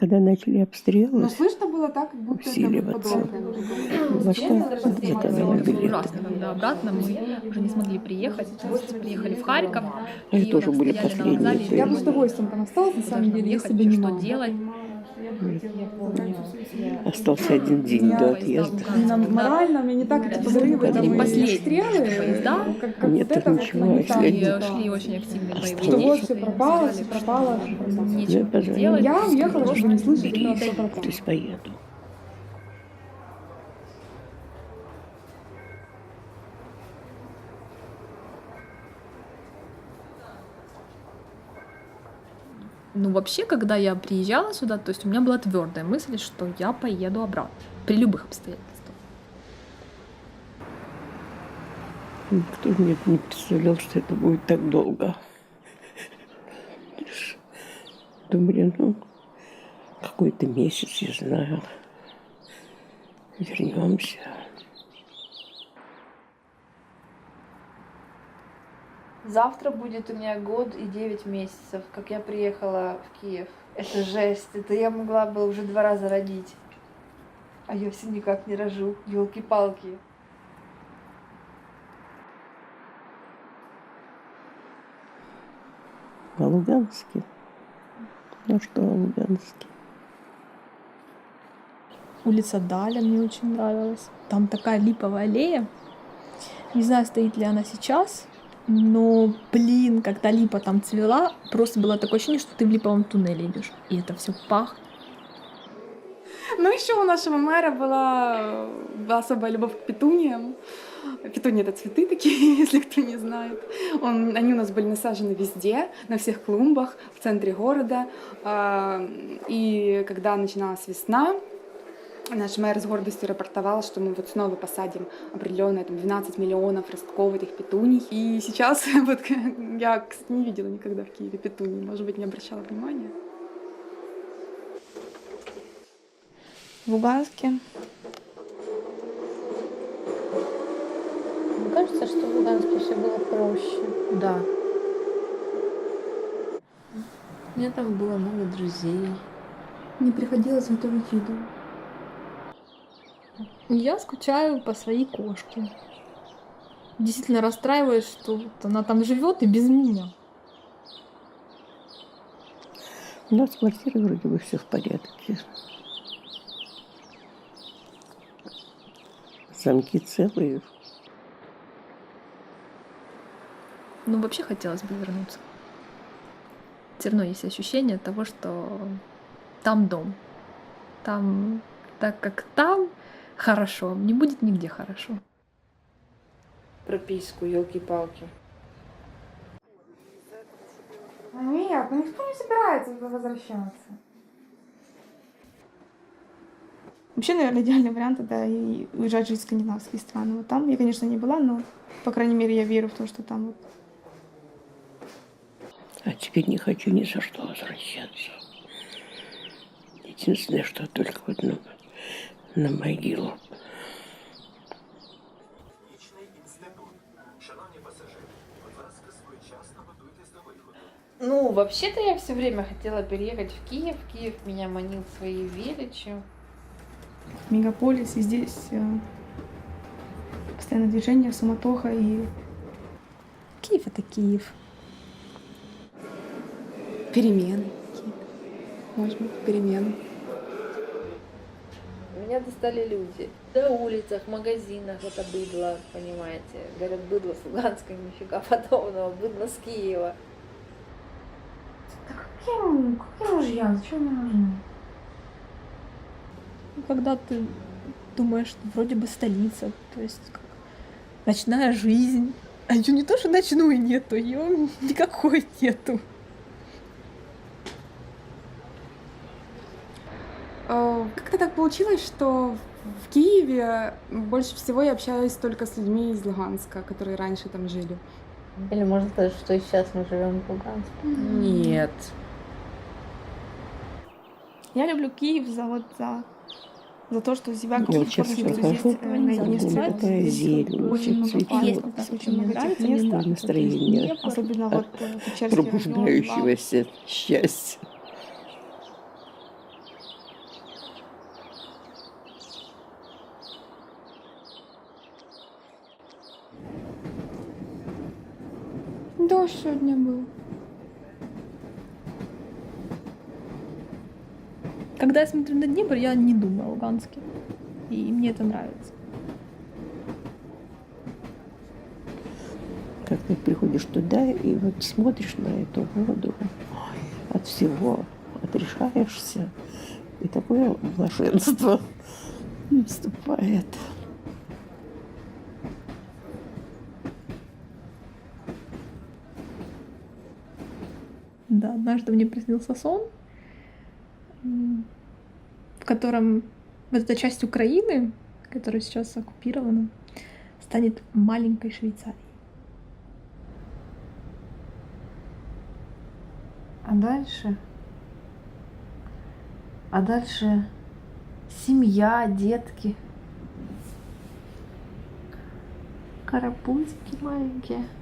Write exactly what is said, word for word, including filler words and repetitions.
Когда начали обстрелы, Но слышно было так, как будто усиливаться. это подобное. Во что заказала Было билеты. ужасно, когда обратно мы уже не смогли приехать. То есть приехали в Харьков, Они и тоже вот были стояли на последние. вокзале. и Я бы с думали, удовольствием там осталась, на самом куда же деле, нам если ехать, бы не что мама. делать. Остался один день Я- до Поезда отъезда. луганские, Именно да. морально, у меня не так эти Да, взрывы, были там, и последние обстрелы, поезда. как, как Нет, вот это вот ничего, нагнетало. если И типа, шли очень активные боевые что вот действия. все пропало, Сказали, все что пропало, все пропало. нечего Я будет позвонила. делать. Я уехала, просто чтобы не слышать, бери и что все дай. пропало. То есть поеду. Ну, вообще, когда я приезжала сюда, то есть у меня была твердая мысль, что я поеду обратно при любых обстоятельствах. Никто мне не представлял, что это будет так долго. Думали, ну, какой-то месяц, я знаю, вернемся. Завтра будет у меня год и девять месяцев, как я приехала в Киев. Это жесть, это я могла бы уже два раза родить. А я все никак не рожу, елки-палки. А Луганске? Ну что о Луганске? Улица Даля мне очень нравилась. Там такая липовая аллея. Не знаю, стоит ли она сейчас, но, блин, когда липа там цвела, просто было такое ощущение, что ты в липовом туннеле идешь. И это все пахнет. Ну, еще у нашего мэра была, была особая любовь к петуниям. Петунии — это цветы такие, если кто не знает. Он, они у нас были насажены везде, на всех клумбах, в центре города. А, И когда начиналась весна, наш мэр с гордостью рапортовал, что мы вот снова посадим определенные там, двенадцать миллионов ростков этих петуний. И сейчас вот, я, кстати, не видела никогда в Киеве петуний, может быть, не обращала внимания. В Луганске. Мне кажется, что в Луганске все было проще. Да. У меня там было много друзей. Не приходилось готовить еду. Я скучаю по своей кошке. Действительно расстраиваюсь, что вот она там живет и без меня. У нас в квартире вроде бы все в порядке. Замки целые. Ну, вообще хотелось бы вернуться. Все равно есть ощущение того, что там дом. Там, так как там хорошо, не будет нигде хорошо. Прописку, елки-палки. Нет, ну никто не собирается туда возвращаться. Вообще, наверное, идеальный вариант — это и уезжать жить в скандинавские страны. Вот там я, конечно, не была, но, по крайней мере, я верю в то, что там вот. А теперь не хочу ни за что возвращаться. Единственное, что только вот на, на могилу. Ну, вообще-то я все время хотела переехать в Киев. Киев меня манил своей величью. Мегаполис, и здесь э, постоянное движение, суматоха и Киев — это Киев. перемены какие-то. Может быть, перемены. Меня достали люди. На улицах, магазинах это быдло, понимаете. Говорят, быдло с Луганска, нифига подобного. Быдло с Киева. Какие, какие мужья? Зачем мне нужны? Когда ты думаешь, что вроде бы столица, то есть как ночная жизнь. А ее не то, что ночную нету, ее никакой нету. Э, Как-то так получилось, что в Киеве больше всего я общаюсь только с людьми из Луганска, которые раньше там жили. Или можно сказать, что и сейчас мы живем в Луганске. Нет. Я люблю Киев за вот за, за то, что себя Я вот сейчас чувствую, что выхожу, здесь э, наедине с такая природой. зелень, Очень много цветет. парков, да, очень много нравится, этих мне мест. нравится. Настроение Особенно вот э, Печерский район. пробуждающегося счастья. Дождь сегодня был. Когда я смотрю на Днепр, я не думаю о Луганске. И мне это нравится. Как ты приходишь туда и вот смотришь на эту воду, от всего отрешаешься, и такое блаженство наступает. Да, однажды мне приснился сон, м, в котором вот эта часть Украины, которая сейчас оккупирована, станет маленькой Швейцарией. А дальше? А дальше семья, детки. Карапузики маленькие.